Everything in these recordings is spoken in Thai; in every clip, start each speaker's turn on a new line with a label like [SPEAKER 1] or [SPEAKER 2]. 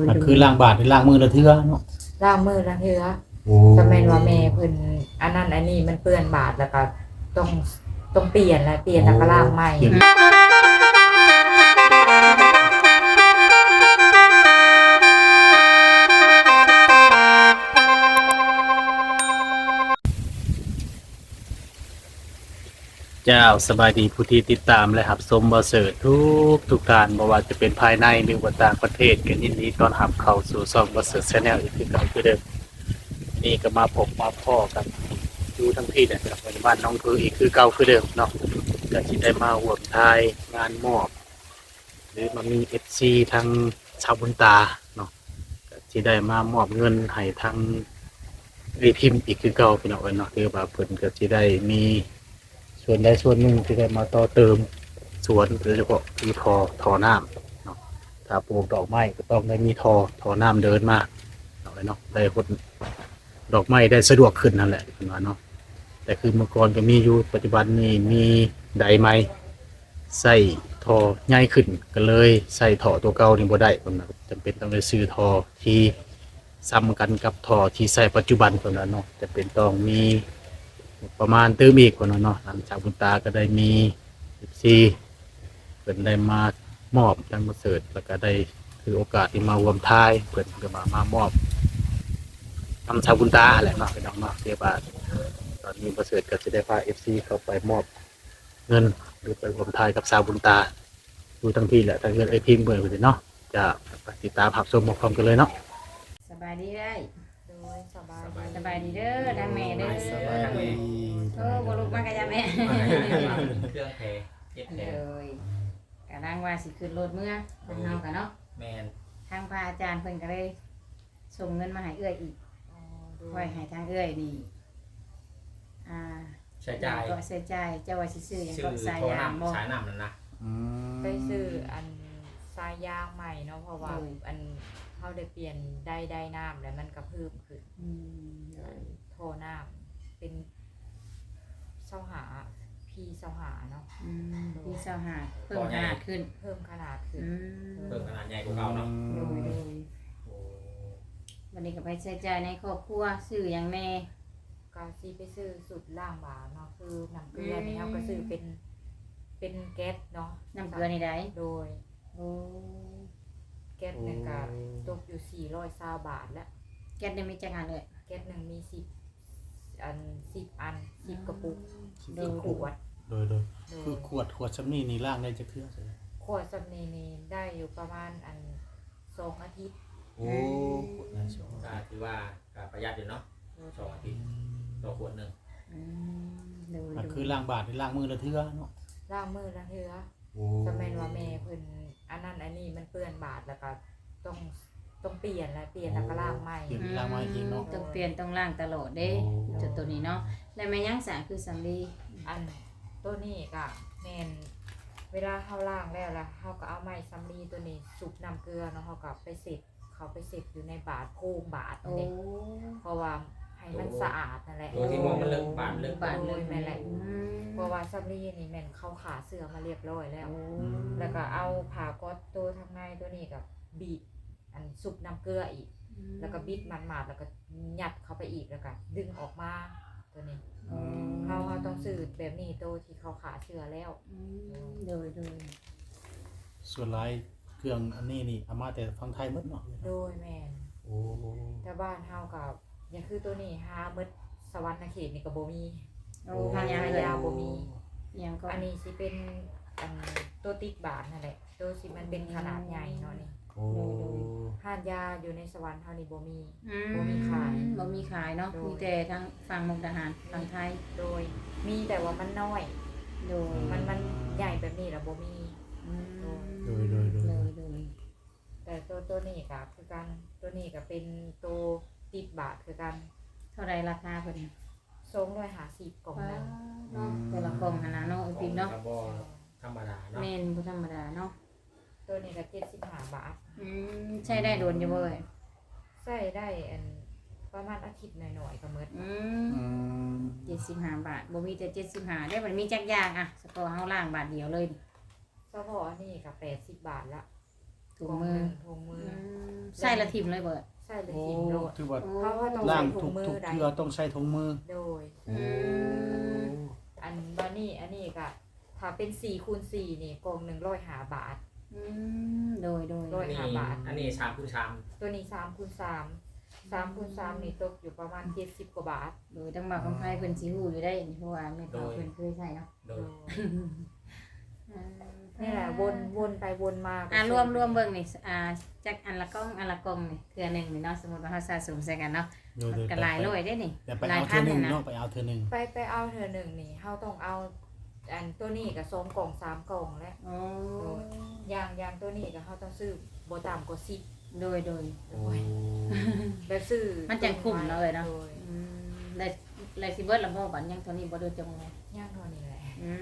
[SPEAKER 1] มันคือล้างบาทหรือล้างมือละเทื่อเนาะ
[SPEAKER 2] ล้างมือละเทื่อ
[SPEAKER 1] โอ้
[SPEAKER 2] ก็แม่นว่าแม่เพิ่นอันนั้นอันนี้มันเปื้อนบาดแล้วก็ต้องต้องเปลี่ยนแล้วเปลี่ยนแล้วก็ล้างใหม่
[SPEAKER 1] เจ้าสบายดีผู้ที่ติดตามและรับชมบ่เสิร์ชทุกการบ่ว่าจะเป็นภายในหรือว่าต่างประเทศก็ยินดีต้อนรับเข้าสู่ช่องบ่เสิร์ช Channel อีกคือเก่าคือเดิมนี่ก็มาพบมาพ้อกันอยู่ทั้งที่เนี่ยครับบ้านน้องคืออีกคือเก่าคือเดิมเนาะก็สิได้มาร่วมทายงานมอบหรือมามี FC ทางชาวบุญตาเนาะก็สิได้มามอบเงินให้ทางพิมพ์อีกคือเก่าพี่น้องเนาะคือว่าเพิ่นก็สิได้มีส่วนใดส่วนหนึ่งที่ได้มาต่อเติมสวนโดยเฉพาะคือทอน้ำเนาะถ้าปลูกดอกไม้ก็ต้องได้มีทอน้ำเดินมาเนาะได้คนดอกไม้ได้สะดวกขึ้นนั่นแหละคุณว่าเนาะแต่คือเมื่อก่อนก็มีอยู่ปัจจุบันนี้มีไดไม้ใส่ทอใหญ่ขึ้นก็เลยใส่ทอตัวเก่านี่บ่ได้ผมนะจำเป็นต้องได้ซื้อทอที่ซ้ำกันกับทอที่ใส่ปัจจุบันคนนั้นเนาะจะเป็นต้องมีประมาณเติมอีกคนนั้นเนาะหลังจากบุญตาก็ได้มี14เป็นได้มามอบทางมาเสิร์ชแล้วก็ได้คือโอกาสที่มาร่วมทายเพิ่นก็มามอบทำชาวบุญตาแหละเนาะพี่น้องเนาะเรียกว่าตอนนี้ประเสริฐก็จะได้พา FC เข้าไปมอบเงินหรือไปร่วมทายกับชาวบุญตาดูทั้งที่แหละทั้งเงินไอพิมพ์เบิ่งเลยเนาะจะติดตามรับชมพร้อมกันเลยเนาะ
[SPEAKER 3] สบายดีได้
[SPEAKER 2] โดยสบาย
[SPEAKER 3] สบายดีเด้อทางแม่เด้อ
[SPEAKER 1] สบายดี
[SPEAKER 3] บ่ลุกมากะยาแม่
[SPEAKER 4] เครื่องเพเย็บเพ
[SPEAKER 3] เลยกะนางว่าสิขึ้นรถเมื่อทางเฮากันเนาะ
[SPEAKER 4] แมน
[SPEAKER 3] ทางพระอาจารย์เพิ่นก็เลยส่งเงินมาให้เอื้อยอีก
[SPEAKER 2] อ๋อโดย
[SPEAKER 3] ไว้ให้ทางเอื้อยนี่
[SPEAKER 4] ใช้จ่าย
[SPEAKER 3] ก็ใช้จ่ายเจ้าว่าสิซื้อหยัง
[SPEAKER 4] ชื่อ
[SPEAKER 3] ก็สาย
[SPEAKER 4] โทร
[SPEAKER 3] ยางบ่
[SPEAKER 4] นำสายนำนั่นนะ
[SPEAKER 2] ไปซื้ออันสายยางใหม่เนาะเพราะว่า
[SPEAKER 3] โดย
[SPEAKER 2] อันเขาได้เปลี่ยนได้น้ำแล้วมันก็เพิ่มขึ้น
[SPEAKER 3] อืม
[SPEAKER 2] โทน้ำเป็นเสาหาพีเสาหาเนาะ
[SPEAKER 3] พี่สาวหาเพิ่มขนาดขึ้น
[SPEAKER 2] เพิ่มขนาดขึ้น
[SPEAKER 3] อืม
[SPEAKER 4] เพิ่มขนาดใหญ่กว่าเก่าเนาะ
[SPEAKER 3] โดย
[SPEAKER 4] โอ้
[SPEAKER 3] วันนี้ก็ไปใช้จ่ายในครอบครัวซื้อหยังแน่
[SPEAKER 2] ก็ซีไปซื้อสุดล่างบาทเนาะคือน้ำเกลือนี่เขาก็ซื้อเป็นแก๊สเนาะ
[SPEAKER 3] น้ำเกลือนี่ได้
[SPEAKER 2] โดย
[SPEAKER 3] โอ้
[SPEAKER 2] แก๊สหนึ่งก็ตกอยู่420 บาทแล้ว
[SPEAKER 3] แก๊สได้มีจักอันเลย
[SPEAKER 2] แก๊สหนึ่งมี10 กระปุก
[SPEAKER 3] โด
[SPEAKER 2] 10
[SPEAKER 3] ย
[SPEAKER 2] ขวด
[SPEAKER 1] โดย
[SPEAKER 2] โด
[SPEAKER 1] คือย ขวดชำนี่นี่ล่างได้จะเครื่องใช่ไหม
[SPEAKER 2] ขวดสำนีนี่ได้อยู่ประมาณ2 อาทิตย์
[SPEAKER 1] โอ้ขวดนั้นใช่ไหม
[SPEAKER 4] ก็ถือว่าก็ประหยัดอยู่เนาะ2 อาทิตย์ต่อขวดหนึ่ง
[SPEAKER 3] อืมโดย
[SPEAKER 1] มันคือล้างบาทหรือล้างมือละเทื่อเนาะ
[SPEAKER 2] ล้างมือละเทื่อ
[SPEAKER 1] โอ้
[SPEAKER 2] ก็แม่นว่าแม่เพิ่นอันนั้นอันนี้มันเปื้อนบาดแล้วก็ต้องเปลี่ยนแล้วเปลี่ยนแล้วก็ล้างใหม่
[SPEAKER 1] เปลี่ยนล้างมาอีกทีเนาะ
[SPEAKER 3] ต้องเปลี่ยนต้องล้างตลอดเด้
[SPEAKER 1] โอ้
[SPEAKER 3] จุดตัวนี้เนาะและแม่ยังสาคือสำลี
[SPEAKER 2] อันตัวนี้ก็แม่นเวลาเฮาล้างแล้วล่ะเฮาก็เอาไม้สำลีตัวนี้สุกน้ำเกลือเนาะเฮาก็ไปเสร็จเขาไปเสร็จอยู่ในบาดโพรงบาด
[SPEAKER 3] โอ้
[SPEAKER 2] นี่เพราะว่าให้มันสะอาดนั่นแหละ
[SPEAKER 4] ตัวที่มองมันเลิกบานเลิก
[SPEAKER 3] บาดเลย
[SPEAKER 2] แม่นแหละ
[SPEAKER 3] อืม
[SPEAKER 2] เพราะว่าสำลีนี่แม่นเขาขาเสื้อมาเรียบร้อยแล้ว
[SPEAKER 3] โอ้
[SPEAKER 2] แล้วก็เอาผ้าก๊อตตัวทางในตัวนี้กับบีบอันสุกน้ำเกลืออีก แล้วก็บิดมันมาดแล้วก็ยัดเข้าไปอีกแล้วก็ดึงออกมาตัวนี้
[SPEAKER 3] อืม
[SPEAKER 2] เขาต้องซื้อแบบนี้ตัวที่เขาขาเสื้อแล้ว
[SPEAKER 3] อืมโดย
[SPEAKER 1] ส่วนลายเครื่องอันนี้นี่เอามาแต่ฟังไทยหมดเนาะ
[SPEAKER 2] โดยแม่น
[SPEAKER 1] โอ้
[SPEAKER 2] แต่บ้านเฮากับยังคือตัวนี้หาเมดสวรรค์เขตนี่ก็บ่มี
[SPEAKER 3] โอ้
[SPEAKER 2] ทางยาบ่มี
[SPEAKER 3] ยังก็
[SPEAKER 2] อันนี้สิเป็นอันตัวติ๊กบาทนั่นแหละตัวสิมันเป็นขนาดใหญ่เนาะนี่
[SPEAKER 1] โอ้
[SPEAKER 2] ห้านยาอยู่ในสวรรค์เฮานี่บ่มี
[SPEAKER 3] อืม
[SPEAKER 2] บ่มีขาย
[SPEAKER 3] บ่มีขายเนาะ
[SPEAKER 2] โดย
[SPEAKER 3] มีแต่ทางฝั่งมุกดาหารฝั่งไทย
[SPEAKER 2] โดยมีแต่ว่ามันน้อย
[SPEAKER 3] โดย
[SPEAKER 2] มันใหญ่แบบนี้แล้วบ่มี
[SPEAKER 3] อืม
[SPEAKER 1] โดย
[SPEAKER 3] โดย
[SPEAKER 2] แต่ตัวนี้ก็คือกันตัวนี้ก็เป็นตัวติดบาทคือกัน
[SPEAKER 3] เท่าไรราคาเพิ่น
[SPEAKER 2] 250กล่องนึง
[SPEAKER 3] เนาะแต่ละกล่องหั่นน่ะเนาะไอ้ปิ๊กเนาะ
[SPEAKER 4] กระบอกธรรมดาเนาะ
[SPEAKER 3] แม่นบ่ธรรมดาเนาะ
[SPEAKER 2] ตัวนี้ก็75 บาท
[SPEAKER 3] ใช้ได้โดนอยู่บ่เอ่ย
[SPEAKER 2] ใส่ได้ประมาณอาทิตย์หน่อยๆก็หมด
[SPEAKER 3] อื
[SPEAKER 1] อื
[SPEAKER 3] ม
[SPEAKER 1] ม
[SPEAKER 3] 75 บาทบ่มีแต่75ได้มันมีจักอย่างอะเฉพาะเฮาล้างบาทเดียวเลยนี่
[SPEAKER 2] เฉพาะอันนี้ก็80 บาทละ
[SPEAKER 3] ถุงมือ
[SPEAKER 2] ถุงมือ
[SPEAKER 3] ใส่ละทิมเลยเบิด
[SPEAKER 2] ใส่เลย
[SPEAKER 1] โอ้
[SPEAKER 2] ทิมโลด
[SPEAKER 1] ถือว่า
[SPEAKER 2] เขาต้อง
[SPEAKER 1] ล่า
[SPEAKER 2] ใส่
[SPEAKER 1] ง
[SPEAKER 2] ถุ
[SPEAKER 1] ทุ
[SPEAKER 2] ง
[SPEAKER 1] ก
[SPEAKER 2] มือ
[SPEAKER 1] ทุก
[SPEAKER 2] ได้
[SPEAKER 1] เทื่อต้องใช้ถุงมือ
[SPEAKER 2] โดย
[SPEAKER 1] โอ้
[SPEAKER 2] อันบานี่อันนี้ก็ถ้าเป็น4x4นี่กล่องหนึ่ง105 บาท
[SPEAKER 3] โดย
[SPEAKER 2] ร้อย 5 บาท
[SPEAKER 4] อันนี้ชามคือชาม
[SPEAKER 2] ตัวนี้3x3นี่ตกอยู่ประมาณ70 กว่าบาท
[SPEAKER 3] โดยต้องบอกคำไพ่เพิ่นสิฮู้อยู่ได้เพราะว่าแม่เฒ่าเพิ่นเคยใช้เนาะ
[SPEAKER 4] โด
[SPEAKER 2] โด
[SPEAKER 4] ย
[SPEAKER 2] ยนี่แหละวนไปวนมา
[SPEAKER 3] รวมเบิ่งนี่จักอันละกล่องนี่เทื่อหนึงนี่เนาะสมมุติว่าเฮาสะสมใส่กันเนาะ
[SPEAKER 1] โดย
[SPEAKER 3] ก็หลายร้อยได้นี่
[SPEAKER 1] แต่ไป
[SPEAKER 3] หลาย
[SPEAKER 1] เอา
[SPEAKER 3] พั
[SPEAKER 1] เทื่อน หนึง
[SPEAKER 3] นะ
[SPEAKER 1] เนาะไปเอาเทื่อหนึง
[SPEAKER 2] ไปเอาเธอหนึ่งนี่เฮาต้องเอาอันตัวนี้กับ2 กล่อง 3 กล่องแล้ว
[SPEAKER 3] อ๋อ
[SPEAKER 2] อย่างตัวนี้ก็เฮาต้องซื้อบ่ต่ำกว่า10
[SPEAKER 3] โดย
[SPEAKER 1] โอ้
[SPEAKER 2] แบบซื้อ
[SPEAKER 3] มันจังคุ้มเนาะเอ้ยเนาะ
[SPEAKER 2] โดย
[SPEAKER 3] ได้สิเบิดละบ่บัดยังเท่านี้บ่โดนจงเลย
[SPEAKER 2] ย่างเท่านี้แหละ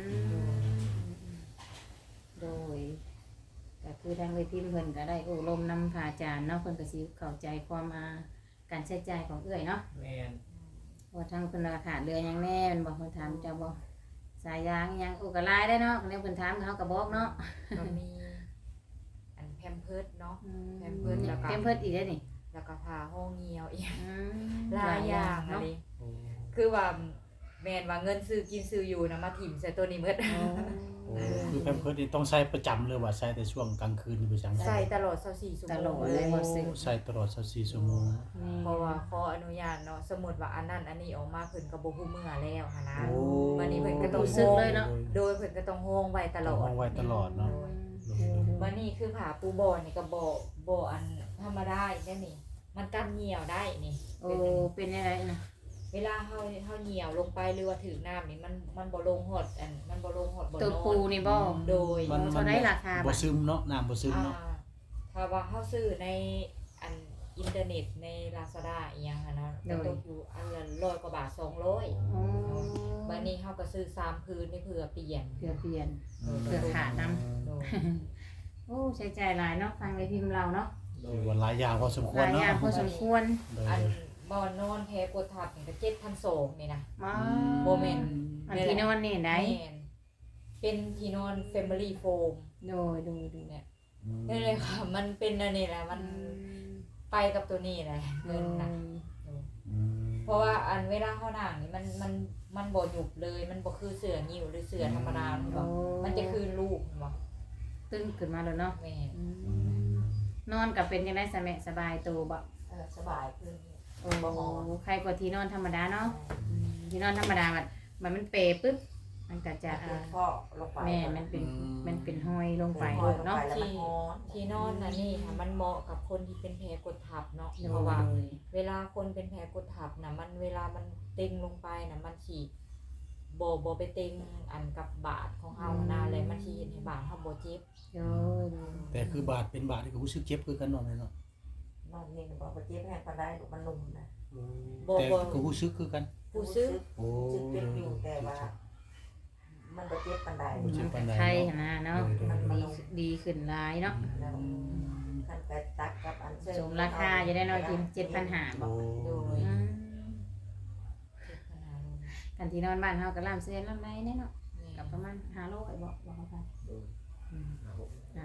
[SPEAKER 3] โดยก็คือทางเวทีเพิ่นก็ได้อบรมนำพระอาจารย์เนาะเพิ่นก็สิเข้าใจความการใช้จ่ายของเอื้อยเนาะ
[SPEAKER 4] แม่น
[SPEAKER 3] ว่าทางเพิ่นราคาเรือหยังแน่มันบอกเพิ่นถามเจ้าบ่สายยางหยังก็หลายได้เนาะแล้วเพิ่นถามเขาก็บอกเนาะ
[SPEAKER 2] ก็มีอันแพมเพิร์ดเนาะ
[SPEAKER 3] แพ
[SPEAKER 2] มเพิร์สแล้วก็
[SPEAKER 3] มเพิร์สอีกได้อนี่
[SPEAKER 2] แล้วก็ผ้าห้องเหี่ยวอีก
[SPEAKER 3] อืม
[SPEAKER 2] หลายอย่างอะ
[SPEAKER 3] เนาะ
[SPEAKER 2] ไรคือว่าแม่นว่าเงินซื้อกินซื้ออยู่นะมาถิ่มใส่ตัวนี้หมด
[SPEAKER 1] โอ้คือแพมเพิร์สนี่ต้องใช้ประจำเลยว่าใช้แต่ช่วงกลางคืนหรือไปจัง
[SPEAKER 2] ใส่ตลอด24ชั่ว
[SPEAKER 3] ต
[SPEAKER 2] โม
[SPEAKER 3] ลอง ด
[SPEAKER 1] โอ้
[SPEAKER 3] เลยบ่ซื้อ
[SPEAKER 1] ใช้ตลอด24ชั่วโมง
[SPEAKER 2] เพราะว่าขออนุญาตเนาะสมมุติว่าอันนั้นอันนี้ออกมาเพิ่นก็บ่ฮู้เมื่อแล้วหันนะ
[SPEAKER 1] โอ้
[SPEAKER 2] วันนี้เพิ่นก็ต้อง
[SPEAKER 3] รู้สึกเลยเนาะ
[SPEAKER 2] โดยเพิ่นก็ต้องโฮงไว้ตลอด
[SPEAKER 1] ต้องโฮงไว้ตลอดเนาะ
[SPEAKER 2] วันนี้คือผ้าปูบอนี่ก็บ่อันธรรมดาอีกแล้วนี่ มันกันเหี่ยวได้นี่
[SPEAKER 3] โอ้เป็นยังไงนะ
[SPEAKER 2] เวลาเฮาเหี่ยวลงไปหรือว่าถือน้ำนี่มันบ่ลงหดอันมันบ่ลงหดบ่น
[SPEAKER 3] ตัว
[SPEAKER 2] อ
[SPEAKER 3] ปู
[SPEAKER 2] น
[SPEAKER 3] นี่บ่
[SPEAKER 2] โดย
[SPEAKER 3] เท่าได้ราคา
[SPEAKER 1] บ่ซึมเนาะน้ำบ่ซึมเนาะ
[SPEAKER 2] ถ้าว่าเฮาซื้อในอันอินเทอร์เน็ตใน Lazada อีหยังอะเนาะก็ตกอยู่อันละ100 กว่าบาท200
[SPEAKER 3] อ๋อ
[SPEAKER 2] วันนี้เฮาก็ซื้อ3พื้นนี่เพื่อเปลี่ยน
[SPEAKER 3] เปลี่ยนเพื่อขาดน้
[SPEAKER 2] โดย
[SPEAKER 3] โอ้ใช้จ่ายหลายเนาะฟังในพิมพ์เราเนาะ
[SPEAKER 4] โด
[SPEAKER 1] คื
[SPEAKER 4] ย
[SPEAKER 1] อว่าหลายอย่างพอสมคว
[SPEAKER 3] ห
[SPEAKER 1] ร
[SPEAKER 3] ลายอ
[SPEAKER 1] เนาะ
[SPEAKER 3] ย่างพอสมควร
[SPEAKER 1] โดย
[SPEAKER 2] อันบ่อนอนแพ้กดทับนี่ก็7,200นี่นะ
[SPEAKER 3] มา
[SPEAKER 2] โบแมน
[SPEAKER 3] อันที่นอนนี่ได้
[SPEAKER 2] แม่นเป็นที่นอน Family Foam
[SPEAKER 3] โดย
[SPEAKER 2] เนี่ยนี่เลยค่ะ มันเป็นอันนี้แหละมันไปกับตัวนี้แหละเงินนะ
[SPEAKER 1] อืม
[SPEAKER 2] เพราะว่าอันเวลาเข้าหนังนี่มันบ่หยุบเลย มันบ่คือเสือนิ้วหรือเสือธรรมดาเห็นบ่มันจะคือลูกเห็นบ่
[SPEAKER 3] ตึ้งขึ้นมาแล้วเนาะ
[SPEAKER 2] แม่น
[SPEAKER 3] นอนกับเป็นยังไงสบายตัวบ่
[SPEAKER 2] สบายขึ้น
[SPEAKER 3] โอ้ใครกว่าที่นอนธรรมดาเนาะที่นอนธรรมดามันเปปุ๊บมันก็จะ
[SPEAKER 5] ก็ลงไป
[SPEAKER 3] แม่มันเป็นห้อยลงไปเนาะ
[SPEAKER 2] ที่นอนน่ะนี่ค่ะมันเหมาะกับคนที่เป็นแผลกดทับเนาะเพราะว่า เวลาคนเป็นแผลกดทับนะมันเวลามันเต็งลงไปนะมันฉีบ่ไปเต็งอันกับบาดของเฮานะเลยมันสิเฮ็ดให้บาดเฮาบ่เจ็บ
[SPEAKER 3] โอ้ย
[SPEAKER 1] แต่คือบาดเป็นบาดนี่ก็รู้สึกเจ็บคือกันเนาะแม่เนาะ
[SPEAKER 5] นอนนี่บอกว่าเจ็บแห้งปานใดลูกมันนุ่มนะ
[SPEAKER 2] บ่
[SPEAKER 1] แต่
[SPEAKER 2] บ่
[SPEAKER 1] ก็รู้สึกคือกัน
[SPEAKER 2] ผู้ซื้อ
[SPEAKER 1] โอ้
[SPEAKER 5] จึกเจ็บอยู่แต่ว่า มันบ่เจ็บปานใด
[SPEAKER 3] มันก็ไข้หั่นนะเนาะดีขึ้นหลายเนาะ
[SPEAKER 5] แล้วคันไปตักกับอันเชิญ
[SPEAKER 3] สมราคาจะได้น้อยกิน7,500บ่
[SPEAKER 1] โอ้
[SPEAKER 2] โดยเจ็บขนาดนั้น
[SPEAKER 3] กันที่นอนบ้านเฮาก็ล่ามเส้นล่ามไรแน่เนาะ
[SPEAKER 2] นี่
[SPEAKER 3] กับประมาณ500บ่เขาไป
[SPEAKER 4] โดยครับผม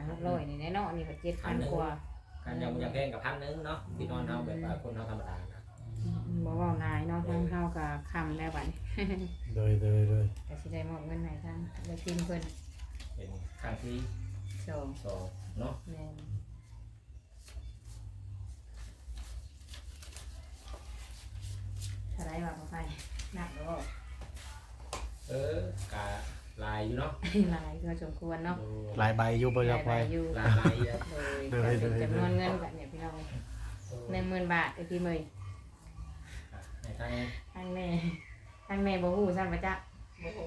[SPEAKER 3] 500นี่แน่เนาะนี่ก็7,000กว่า
[SPEAKER 4] การยังแพงกับ1,000นึงเนาะที่นอนเฮาแบบว่าคนเฮาธรรมดานะ
[SPEAKER 3] บ่เว้าหลายเนาะทางเฮาก็ค้ำแล้วบัดนี้
[SPEAKER 1] โดย
[SPEAKER 3] ก็สิได้มอบเงินให้ทางไปทีมเพิ่น
[SPEAKER 4] เป็นครั้งที่
[SPEAKER 3] สอง
[SPEAKER 4] 2เนาะ
[SPEAKER 3] แม่นเท่าไรว่าบ่ไปนับบ่
[SPEAKER 4] กะลายอยู่เนาะ
[SPEAKER 3] หลายก็สมควรเนาะ
[SPEAKER 1] หลายใบอยู่บ่อยากไป
[SPEAKER 3] อยู่
[SPEAKER 4] ลายเยอะ
[SPEAKER 3] โดยก็เป็นจำนวนเงินแบบเนี่ยพี่น้อง10,000 บาทไอ้พี่เมย
[SPEAKER 4] ในทาง
[SPEAKER 3] ทางแม่บ่ฮู้ซั่นว่าจ๊ะ
[SPEAKER 5] โอ้โห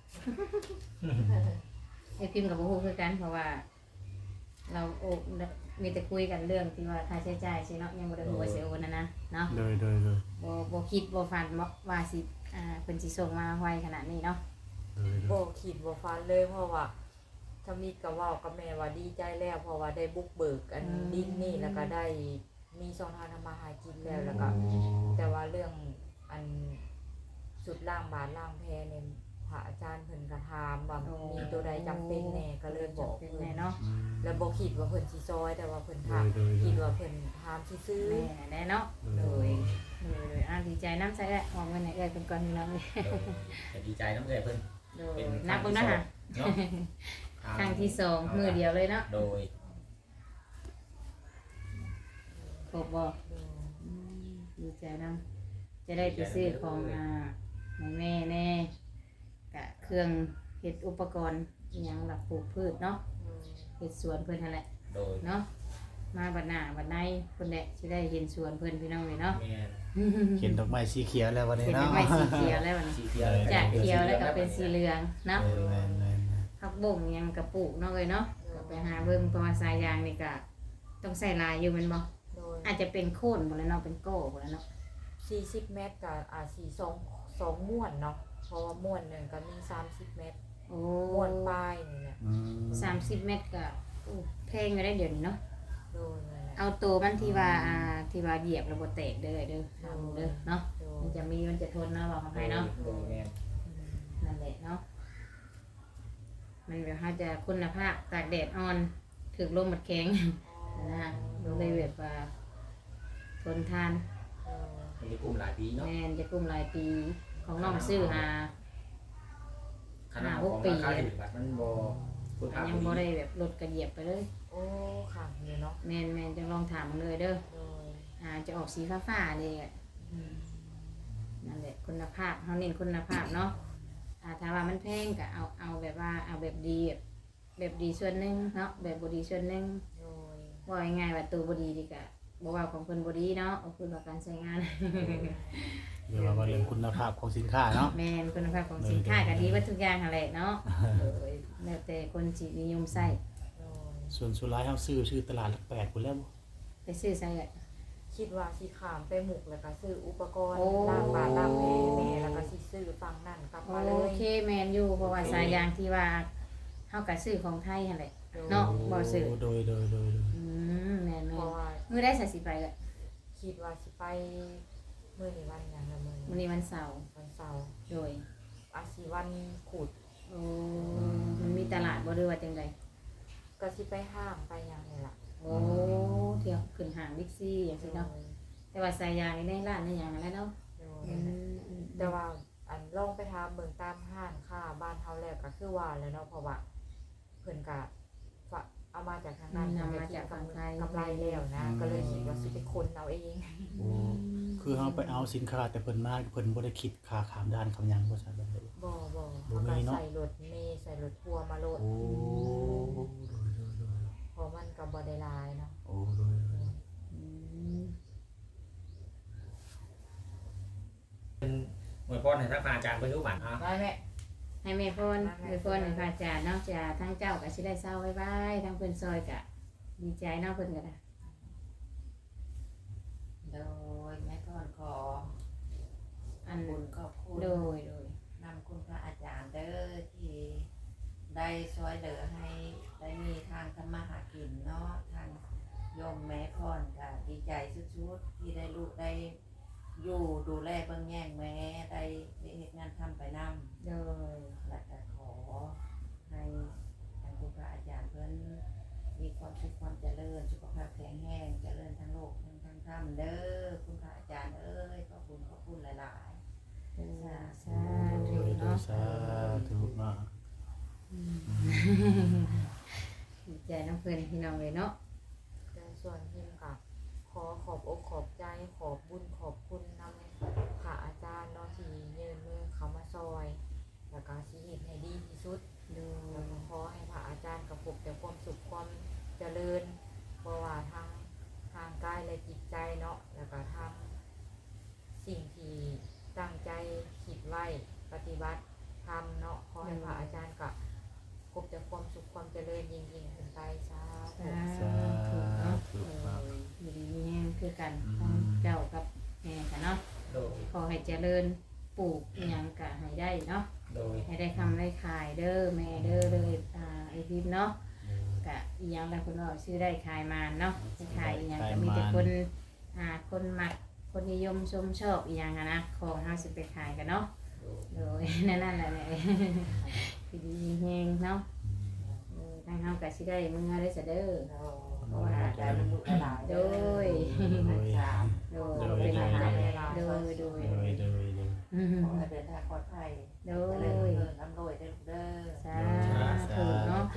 [SPEAKER 3] ไอ้พิมพ์กับบ่ฮู้คือกันเพราะว่า เรามีแต่คุยกันเรื่องที่ว่าค่าใช้จ่ายใช่เนาะยังบ่ได้ฮู้ว่าสิโอนนะเนาะ
[SPEAKER 1] โดย
[SPEAKER 3] บ่คิดบ่ฝันว่าสิเพิ่นสิส่งมาไวขนาดนี้เนาะ
[SPEAKER 2] บ่คิดบ่ฝันเลยเพราะว่าถ้ามีก็เว้ากับแม่ว่าดีใจแล้วเพราะว่าได้บุกเบิกอันดินนี่แล้วก็ได้มีช่องทางทำมาหากินแล้วก็ แต่ว่าเรื่องอันสุดล่างบาทล่างแพเนี่ยพระอาจารย์เพิ่นก็ถามว่ามีตัวใดจำเป็นแหน่ก็เลยบอก
[SPEAKER 3] เป็น
[SPEAKER 2] เพิ่
[SPEAKER 3] แน่
[SPEAKER 2] น
[SPEAKER 3] เนาะ
[SPEAKER 2] แล้วบ่คิดว่าเพิ่นสิซอยแต่ว่าเพิ่นถามคิดว่าเพิ่นถามซื่อ
[SPEAKER 3] แน่เนาะโดยดีใจน้ำใส่แล้วออกมาไหนเอ้ยเป็นก่อนพี่น้องเลย
[SPEAKER 4] จะดีใจน้ำใจเพิ่น
[SPEAKER 3] โดย
[SPEAKER 4] เป็น
[SPEAKER 3] นับเบิ่งนะฮะ
[SPEAKER 4] เนาะ
[SPEAKER 3] ครั้งที่สองมือเดียวเลยเนาะ
[SPEAKER 4] โดย
[SPEAKER 3] ครบบ่
[SPEAKER 2] ๆโดย
[SPEAKER 3] ดีใจน้ำจะได้ไปซื้อของให้แม่แน่กะเครื่องเฮ็ดอุปกรณ์อหยังหลักปลูกพืชเนาะเฮ็ดสวนเพิ่นนั่นแหละ
[SPEAKER 4] โดย
[SPEAKER 3] เนาะมาบัดหน้าบัดในเพิ่นแหละสิได้เห็นสวนเพิ่นพี่น้องเลยเนาะ
[SPEAKER 4] แม่น
[SPEAKER 1] เห็นดอกไม้สีเขียวแล้ววันนี้
[SPEAKER 3] เห็น
[SPEAKER 1] เนาะ
[SPEAKER 3] ไม้สีเขียวแล้วบัดนี้
[SPEAKER 4] สีเขียว
[SPEAKER 3] จากเขียวแล้วก็เป็นสีเหลืองเนาะ
[SPEAKER 1] แม่น
[SPEAKER 3] ผักบ่งยังกระปลูกเนาะเลยเนาะก็ไปหาเบิ่งเพราะว่าสายยางนี่ก็ต้องใส่ลายอยู่แม่นบ่
[SPEAKER 2] โดย
[SPEAKER 3] อาจจะเป็นโค่นบ่แล้วเนาะเป็นโก้บ่แล้วเนาะ
[SPEAKER 2] 40 เมตรกับสิ2ม้วนเนาะเพราะว่าม้วนหนึงก็มี30 เมตร
[SPEAKER 3] โอ้
[SPEAKER 2] ม้วนปลายนี่แหละ
[SPEAKER 3] 30 เมตรก็อู้แพงอยู่ได้เดี๋ยวนี้เนาะ
[SPEAKER 2] โดยนั่นแหละ
[SPEAKER 3] เอาตัวมันที่ว่าที่ว่าเหยียบแล้วบ่แตกเด้อเด้อทำเด้อเนาะ
[SPEAKER 2] โดย
[SPEAKER 3] มันจะทนเนาะบอกเขาให้เนาะ
[SPEAKER 4] โดยแม่น
[SPEAKER 3] นั่นแหละเนาะมันแบบเขาจะคุณภาพตากแดดอ่อนถึกลมหมดแข็งนะเลยแบบว่าทนทาน
[SPEAKER 4] มันจะกลุ่มหลายปีเนาะ
[SPEAKER 3] แม่นจะกลุ่มหลายปีของน้องซื้อหา
[SPEAKER 4] ขนาดของราคาที่บัตรมันบ่คุณภาพ
[SPEAKER 3] ยังบ่ได้แบบลดกระเหยียบไปเลย
[SPEAKER 2] โอ้ค่ะอยู่เนาะ
[SPEAKER 3] แม่นจะลองถามมันเลยเด้อ
[SPEAKER 2] โดย
[SPEAKER 3] จะออกสีฟ้าๆนี่แหละนั่นแหละคุณภาพเขาเน้นคุณภาพเนาะถ้าว่ามันแพงก็เอาแบบว่าเอาแบบดีแบบดีส่วนหนึงเนาะแบบบ่ดีส่วนหนึง
[SPEAKER 2] โดย
[SPEAKER 3] ว่าง่ายๆว่าตัวบ่ดีดีกะบ่ว่าของเพิ่นบ่ดีเนาะเอาเพิ่นว่าการใช้งาน
[SPEAKER 1] เดี๋ยวว่าเรื่องคุณภาพของสินค้าเนาะ
[SPEAKER 3] แม่นคุณภาพของสินค้าก็ดีว่าทุกอย่างหั่นแหละเนาะแล้วแต่คนสินิยมใช้
[SPEAKER 2] โดย
[SPEAKER 1] ส่วนสุดท้ายเฮาซื้อตลาดหลักแปดพุ่นแล้วบ่
[SPEAKER 3] ไปซื้อใส่ก็
[SPEAKER 2] คิดว่าสิขามไปหมุกแล้วก็ซื้ออุปกรณ์
[SPEAKER 3] โอ้
[SPEAKER 2] ล้างบาตรล้างแม่แม่แล้วก็สิซื้อฟังนั่นกลับมาเล
[SPEAKER 3] โอย เคแม่นอยู่เพราะว่าสายยางที่ว่าเฮาก็ซื้อของไทยหั่นแหละ เนาะ บ่ซื้อ
[SPEAKER 1] โดย
[SPEAKER 3] แม่น
[SPEAKER 2] เพราะว่า
[SPEAKER 3] ๆมื้อได้ใส่สิไปก็
[SPEAKER 2] คิดว่าสิไปมื้อนี้วันหยังละมื้อ
[SPEAKER 3] มื้อ
[SPEAKER 2] นี้
[SPEAKER 3] นี้วันเสาร์
[SPEAKER 2] วันเสาร์
[SPEAKER 3] โดย
[SPEAKER 2] อาสิวันขุด
[SPEAKER 3] โอ้มันมีตลาดบ่หรือว่าจังได
[SPEAKER 2] ก็สิไปห้างไปหยังนี่ล่ะ
[SPEAKER 3] โอ้เที่ยวขึ้นห้างบิ๊กซีอย่างซี่เนาะแต่ว่าสายยางนี่ในร้านในหยังอะไรเนาะ
[SPEAKER 2] โดยแต่ว่าอันลองไปถามเบิ่งตามห้างค่าบ้านเฮาแล้วก็คือว่าแล้วเนาะเพราะว่าเพิ่นก็เอามาจากทางนั้น
[SPEAKER 3] นำมาจากฝั่งไทย
[SPEAKER 2] กำไรแล้วนะ ก็เลยคิดว่าสิไปคนเอาเอง
[SPEAKER 1] คือเฮาไปเอาสินค้าแต่เพิ่นมาเพิ่นบ่ได้คิดค่าขามด้านคำหยังบ่ใช่แบบนี้
[SPEAKER 2] บ่
[SPEAKER 1] บ่
[SPEAKER 2] เขา
[SPEAKER 1] มี
[SPEAKER 2] ก็
[SPEAKER 1] เนาะ
[SPEAKER 2] ใส่รถเมล์ใส่รถทัวร์มาโลด
[SPEAKER 1] โอ้
[SPEAKER 2] เพราะมันก็บ่ได้หลายเนาะ
[SPEAKER 1] โอ้โดย
[SPEAKER 3] อืม
[SPEAKER 4] หน่วยพรให้ทักพาอาจารย์เพิ่นรู้บัตรอ่ะ
[SPEAKER 2] ได้แม่
[SPEAKER 3] ให้แม่พรให้พรให้พระอาจารย์เนาะจะทั้งเจ้าก็สิได้เศร้าไว้ๆทั้งเพิ่นซอยก็ดีใจเนาะเพิ่นก็ได้
[SPEAKER 5] โดยแม่พรขอ
[SPEAKER 3] อัน
[SPEAKER 5] บุญขอบคุณ
[SPEAKER 3] โดย
[SPEAKER 5] นำคุณพระอาจารย์เด้อที่ได้ช่วยเหลือให้ได้มีทางทำมาหากินเนาะทางโยมแม่พรก็ดีใจสุดๆที่ได้ลูกได้อยู่ดูแลเบิ่งแย่งแม่ได้เฮ็ดงานทำไปนำ
[SPEAKER 3] โดย
[SPEAKER 5] และก็ขอให้ทางคุณพระอาจารย์เพิ่นมีความสุขความเจริญสุขภาพแข็งแรงเจริญทั้งโลกทั้งธรรมเด้อคุณพระอาจารย์เอ้ยขอบคุณหลาย
[SPEAKER 3] สาธุเนาะ
[SPEAKER 1] สาธุเนาะ
[SPEAKER 3] ดีใจน้ำเพิ่นพี่น้องเลยเนาะ
[SPEAKER 2] แต่ส่วนพิมก็ขอขอบอกขอบใจขอบบุญขอบคุณนำพระอาจารย์เนาะที่ยืนมือเขามาซอย แล้วก็สิเฮ็ดให้ดีที่สุด
[SPEAKER 3] โด
[SPEAKER 2] แล้ว
[SPEAKER 3] ย
[SPEAKER 2] ก็ขอให้พระอาจารย์กับพบแต่ความสุขความเจริญบ่ว่าทั้งทางกายและจิตใจเนาะแล้วก็ทำสิ่งที่ตั้งใจคิดไว้ปฏิบัติทำเนาะขอให้พระอาจารย์กับพบแต่ความสุขความเจริญยิ่งๆขึ้นไปสาธุ
[SPEAKER 3] สาธุเนาะอยู่ดีมีแรงคือกันทั้งเจ้ากับแม่กันเนาะ
[SPEAKER 4] โดย
[SPEAKER 3] ขอให้เจริญปลูกอิหยังก็ให้ได้เนาะ
[SPEAKER 4] โดย
[SPEAKER 3] ให้ได้คำได้ขายเด้อแม่เด้อเลยไอพิมพ์เนาะกะอีหยังแล้วคนว่าชื่อได้ขายมาเนาะได้ขายอีหยังก็มีแต่คนคนมักคนนิยมชมชอบอีหยังอะนะของเฮาสิไปขายกันเนาะ
[SPEAKER 4] โด
[SPEAKER 3] โดยนั่นแหละเนี่ยคือดีมีแฮงเนาะทางเฮาก็สิได้มื้อได้ซะเด้อ
[SPEAKER 5] เพราะว่าได้มันลูกหลาย
[SPEAKER 3] โดย
[SPEAKER 5] สาม
[SPEAKER 3] โดยเป็นอาหารโดย
[SPEAKER 1] โดย
[SPEAKER 5] ขอให้เดินทางปลอดภัย
[SPEAKER 3] โด
[SPEAKER 5] เจ
[SPEAKER 3] ย
[SPEAKER 5] ริญรุ่งเรืองร่ำรวยเด้อลูกเด้อ
[SPEAKER 3] สาธุเนาะ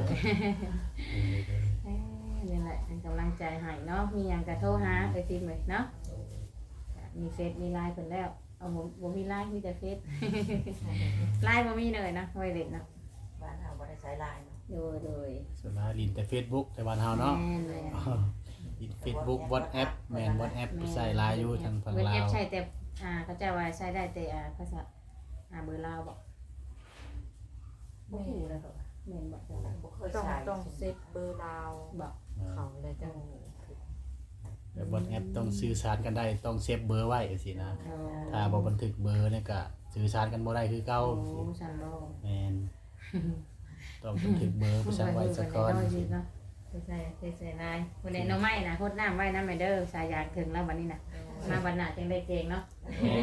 [SPEAKER 3] นี่แหละเป็นกำลังใจให้เนาะมีหยังก็โทรหาเอ้ยฟิล์มเลยเนาะมีเฟซมีไลน์เพิ่นแล้วเอาบ่มีไลน์มีแต่เฟซไลน์บ่มีเลยนะไว้เล่นเนาะ
[SPEAKER 5] บ้านเฮาบ่ได้ใช้ไลน์เนาะ
[SPEAKER 3] โดย
[SPEAKER 1] ส่วนมากลินแต่ Facebook แต่บ้านเฮาเนาะ
[SPEAKER 3] แม่นเลย
[SPEAKER 1] ลิน Facebook WhatsApp แม่น WhatsApp ใส่ลายอยู่ทางฝั่ง
[SPEAKER 3] เว็บ
[SPEAKER 1] ลา
[SPEAKER 3] แอป
[SPEAKER 1] ว
[SPEAKER 3] ใช้แต่เขาจะว่าใช้ได้แต่ภาษาเบอร์ลาวบอกบ่ฮู้แล้วก็แม่นบอกจังได๋
[SPEAKER 5] บ่เคย
[SPEAKER 2] ต้อง
[SPEAKER 5] ใช้
[SPEAKER 2] ต้องเซฟเบอร์ลาว
[SPEAKER 3] บอก
[SPEAKER 2] เขาเลยจัง
[SPEAKER 1] แต่ WhatsApp ต้องสื่อสารกันได้ต้องเซฟเบอร์ไว้สินะ
[SPEAKER 3] โอ้
[SPEAKER 1] ถ้าบ่บันทึกเบอร์เนี่ยก็สื่อสารกันบ่ได้คือเก่า
[SPEAKER 3] โอ้ฉันบ่
[SPEAKER 1] แม่นต้องบันทึกเบอร์ไปสั่งไว้ซะก่อน
[SPEAKER 3] เนาะใส่ลายวันนี้น้องไม้นะโคตรน้ำไว้น้ำแม่เด้อสายยางถึงแล้ววันนี้นะมาวันหน้าจังได้เจงเนาะ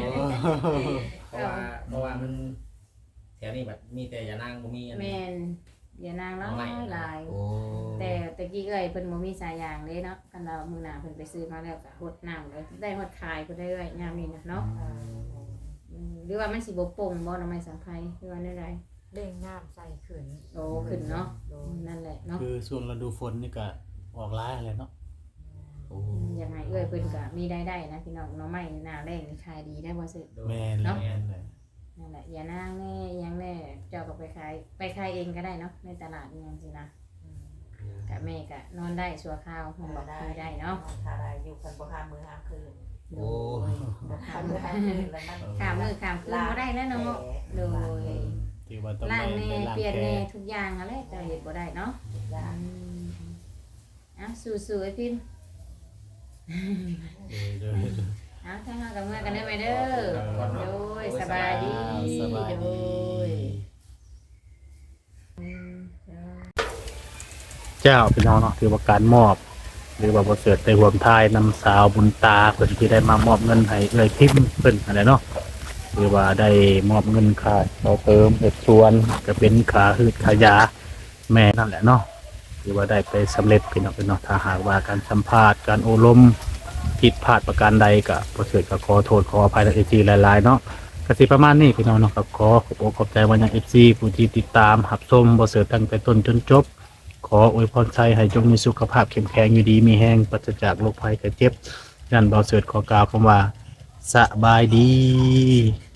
[SPEAKER 4] เพราะว่ามันแถวนี้แบบมีแต่ยานางบ่มีอัน
[SPEAKER 3] แม่นอย่านางร้อยลาย
[SPEAKER 1] โอ้
[SPEAKER 3] แต่ตะกี้เอ้ยเพิ่นบ่มีสายยางเด้เนาะกันเรามื้อหน้าเพิ่นไปซื้อมาแล้วก็หดน้ำเลยได้หดขายเพิ่นได้เอ้ยยามนี้นะเนาะหรือว่ามันสิบ่โป่งบ่น้ำไม้สังไผหรือว่าแนวใด
[SPEAKER 2] เร่งน้ำใส่ขืน
[SPEAKER 3] โตขึ้นเนาะนั่นแหละเนาะ
[SPEAKER 1] คือช่วงฤดูฝนนี่ก็ออกหลายอะไรเนาะโอ้
[SPEAKER 3] ยังไงเอ้ยเพิ่นก็มีได้นะพี่น้องน้องไม้หน้าแรงนี่ขายดีได้บ่ซื้อ
[SPEAKER 1] แม่นเลยแม่นเลย
[SPEAKER 3] นั่นแหละอย่านางแน่ยังแน่เจ้าก็ไปขายเองก็ได้เนาะในตลาดนี่จังซี่นะกะแม่ก็นอนได้ชั่วคราวมันบอกคุยได้เนาะ
[SPEAKER 5] ถ้าได้อยู่กันบ่ห้ามมื้อห้ามคืน
[SPEAKER 1] โอ้
[SPEAKER 5] บ่ห้ามมื้อห้ามคืนแล้วมัน
[SPEAKER 3] ข้ามมือข้ามคืนบ่ได้แล้วเนาะโดย
[SPEAKER 1] ที่ว่าต้อง
[SPEAKER 3] ล้าง
[SPEAKER 1] ได้
[SPEAKER 3] แน่
[SPEAKER 1] ล้าง
[SPEAKER 3] เปลี่ยน
[SPEAKER 1] แผล
[SPEAKER 3] แน่ทุกอย่างอะไรเจ้าเฮ็ดบ่ได้เนาะ
[SPEAKER 5] จ้า
[SPEAKER 3] สู้ๆไอ้พิมพ์
[SPEAKER 1] เด้อ
[SPEAKER 3] ถ้าเฮากับเมื่อกันได้ไหมเด้อโดยสบายดี
[SPEAKER 1] สบาย
[SPEAKER 3] โด
[SPEAKER 1] ดี
[SPEAKER 3] ย
[SPEAKER 1] เจ้าพี่น้องเนาะถือว่าการมอบ หรือว่าบ่เสิร์ชได้ร่วมทายนำสาวบุญตาเพิ่นที่ได้มามอบเงินให้เอ้ยพิมพ์เพิ่นอะไรเนาะหรือว่าได้มอบเงินค่าต่อเติมเฮ็ดสวนก็เป็นค่าหืดค่ายาแม่นั่นแหละเนาะหรือว่าได้ไปสำเร็จพี่น้องเนาะถ้าหากว่าการสัมภาษณ์การอบรมผิดพลาดประการใดก็บ่เสิร์ชก็ขอโทษขออภัยใน FC หลายๆเนาะก็สิประมาณนี้พี่น้องเนาะก็ขอขอบใจว่ายัง FC ผู้ที่ติดตามรับชมบ่เสิร์ชตั้งแต่ต้นจนจบ ขออวยพรใจให้จงมีสุขภาพเข้มแข็งอยู่ดีมีแห้งปราศจากโรคภัยไข้เจ็บยันเบาเสิร์ชขอกล่าวคำว่าสบายดี